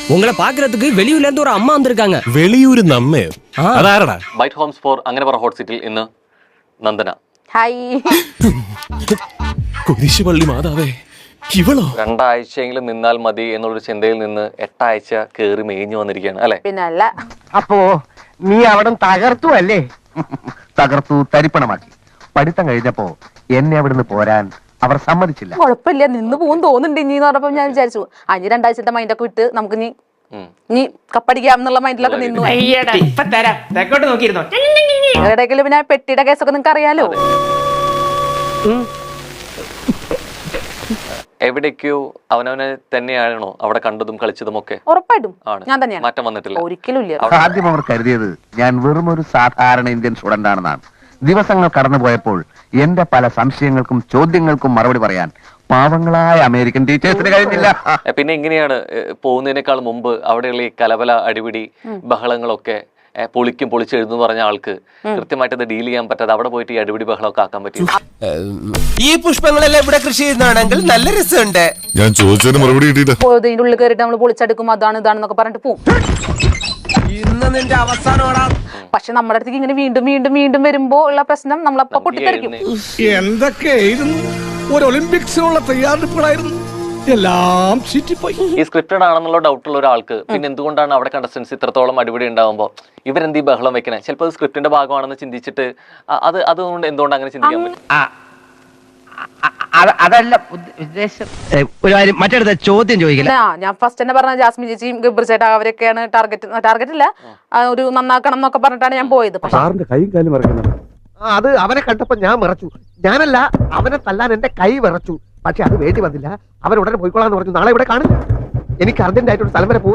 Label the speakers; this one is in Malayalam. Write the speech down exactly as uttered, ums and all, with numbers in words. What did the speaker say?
Speaker 1: உங்களை பாக்குறதுக்கு வெளியூர்ல இருந்து ஒரு அம்மா வந்திருக்காங்க.
Speaker 2: വെളിയൂര് നമ്മേ അതാരടാ?
Speaker 3: ബൈറ്റ് ഹോംസ് ഫോർ അങ്ങനെ പറ ഹോട്ട് സീറ്റിൽ ഇന്ന് നന്ദന.
Speaker 4: ഹായ്.
Speaker 2: കുരിശുപള്ളി മാതാവേ, ഇവളോ?
Speaker 3: രണ്ടാഴ്ചയെങ്കിലും നിന്നാൽ മതി എന്നുള്ളൊരു ചിന്തയിൽ നിന്ന് എട്ടാഴ്ച കേറി മേഞ്ഞു വന്നിരിക്കുകയാണ് അല്ലെ?
Speaker 4: പിന്നല്ല.
Speaker 5: അപ്പോ നീ അവിടെ തകർത്തു അല്ലേ? തകർത്തു തരിപ്പണമാക്കി. പഠിത്തം കഴിഞ്ഞപ്പോ എന്നെ അവിടുന്ന് പോരാൻ അവർ സമ്മതിച്ചില്ല.
Speaker 4: കുഴപ്പമില്ല, നിന്ന് പോകും തോന്നുന്നുണ്ട് ഇനി എന്ന് പറഞ്ഞപ്പോ ഞാൻ വിചാരിച്ചു അഞ്ച് രണ്ടാഴ്ചത്തെ മൈൻഡൊക്കെ വിട്ട് നമുക്ക് ഇനി ഇനി കപ്പടിക്കാം എന്നുള്ള മൈൻഡിലൊക്കെ നിന്നു. എവിടെയെങ്കിലും പിന്നെ പെട്ടിയുടെ കേസൊക്കെ നിങ്ങൾക്ക് അറിയാലോ.
Speaker 3: എവിടേക്കോ അവനവനെ തന്നെയാണോ അവിടെ കണ്ടതും കളിച്ചതും ഒക്കെ?
Speaker 4: ഉറപ്പായിട്ടും ഞാൻ തന്നെയാണ്.
Speaker 3: മാറ്റം വന്നിട്ടില്ല
Speaker 4: ഒരിക്കലും ഇല്ല.
Speaker 5: ആദ്യം അവർ കരുതിയത് ഞാൻ വെറും ഒരു സാധാരണ ഇന്ത്യൻ സ്റ്റുഡന്റ് ആണെന്നാണ്. ദിവസങ്ങൾ കടന്നുപോയപ്പോൾ എന്റെ പല സംശയങ്ങൾക്കും ചോദ്യങ്ങൾക്കും മറുപടി പറയാൻ പാവങ്ങളായ അമേരിക്കൻ ടീച്ചേഴ്സിന് കഴിഞ്ഞില്ല.
Speaker 3: പിന്നെ എങ്ങനെയാണ് പോകുന്നതിനേക്കാൾ മുമ്പ് അവിടെയുള്ള ഈ കലബല അടിപിടി ബഹളങ്ങളൊക്കെ പൊളിക്കും പൊളിച്ചെഴുന്നു പറഞ്ഞ ആൾക്ക് കൃത്യമായിട്ട് അത് ഡീൽ ചെയ്യാൻ പറ്റാതെ അവിടെ പോയിട്ട് ഈ അടിപിടി ബഹളമൊക്കെ ആക്കാൻ പറ്റും?
Speaker 6: ഈ പുഷ്പങ്ങളെല്ലാം ഇവിടെ കൃഷി ചെയ്യുന്നതാണെങ്കിൽ നല്ല രസമുണ്ട്.
Speaker 7: ഞാൻ ചോദിച്ചതിന് മറുപടി കിട്ടിയില്ല.
Speaker 4: ഇതിന്റെ ഉള്ളിൽ കയറിയിട്ട് നമ്മൾ പൊളിച്ചെടുക്കും, അതാണ് ഇതാണെന്നൊക്കെ പറഞ്ഞിട്ട് പോകും.
Speaker 6: ഇന്ന് നിന്റെ അവസാനമാടാ.
Speaker 4: പക്ഷെ നമ്മുടെ അടുത്തേക്ക് ഇങ്ങനെ വീണ്ടും വീണ്ടും വീണ്ടും വരുമ്പോ ഉള്ള പ്രശ്നം നമ്മളപ്പോ പൊട്ടിത്തെറിക്കും.
Speaker 8: എന്തൊക്കെയായിരുന്നു ഒരു ഒളിമ്പിക്സിനുള്ള തയ്യാറെടുപ്പുകളായിരുന്നു, എല്ലാം ചീറ്റിപ്പോയി.
Speaker 3: ഈ സ്ക്രിപ്റ്റഡ് ആണെന്നുള്ള ഡൗട്ടുള്ള ഒരാൾക്ക് പിന്നെ എന്തുകൊണ്ടാണ് അവിടെ കണ്ടസ്റ്റൻസ് ഇത്രത്തോളം അടിപിടി ഉണ്ടാവുമ്പോൾ ഇവരെന്ത് ഈ ബഹളം വെക്കണേ? ചിലപ്പോൾ സ്ക്രിപ്റ്റിന്റെ ഭാഗമാണെന്ന് ചിന്തിച്ചിട്ട് അത് അതുകൊണ്ട് എന്തുകൊണ്ട് അങ്ങനെ ചിന്തിക്കാൻ പറ്റും?
Speaker 5: അതല്ല ഉദ്ദേശം. ഒരു കാര്യം മറ്റടുത്ത ചോദ്യം ചോദിക്കില്ല.
Speaker 4: ഞാൻ ഫസ്റ്റ് തന്നെ പറഞ്ഞ ജാസ്മിൻ ചേച്ചിയും ഗബ്ബർ ചേട്ടാ അവരൊക്കെയാണ് ടാർഗറ്റ് ടാർഗറ്റ് ഇല്ല ഒരു നന്നാക്കണം എന്നൊക്കെ പറഞ്ഞിട്ടാണ് ഞാൻ പോയത്.
Speaker 5: അത് അവനെ കണ്ടപ്പോ ഞാൻ വിറച്ചു. ഞാനല്ല, അവനെ തല്ലാൻ എന്റെ കൈ വിറച്ചു. പക്ഷെ അത് വേണ്ടി വന്നില്ല. അവൻ ഉടനെ പോയിക്കോളാന്ന് പറഞ്ഞു. നാളെ ഇവിടെ കാണില്ല. എനിക്ക് അർജന്റ് ആയിട്ടൊരു സ്ഥലം വരെ പോകും.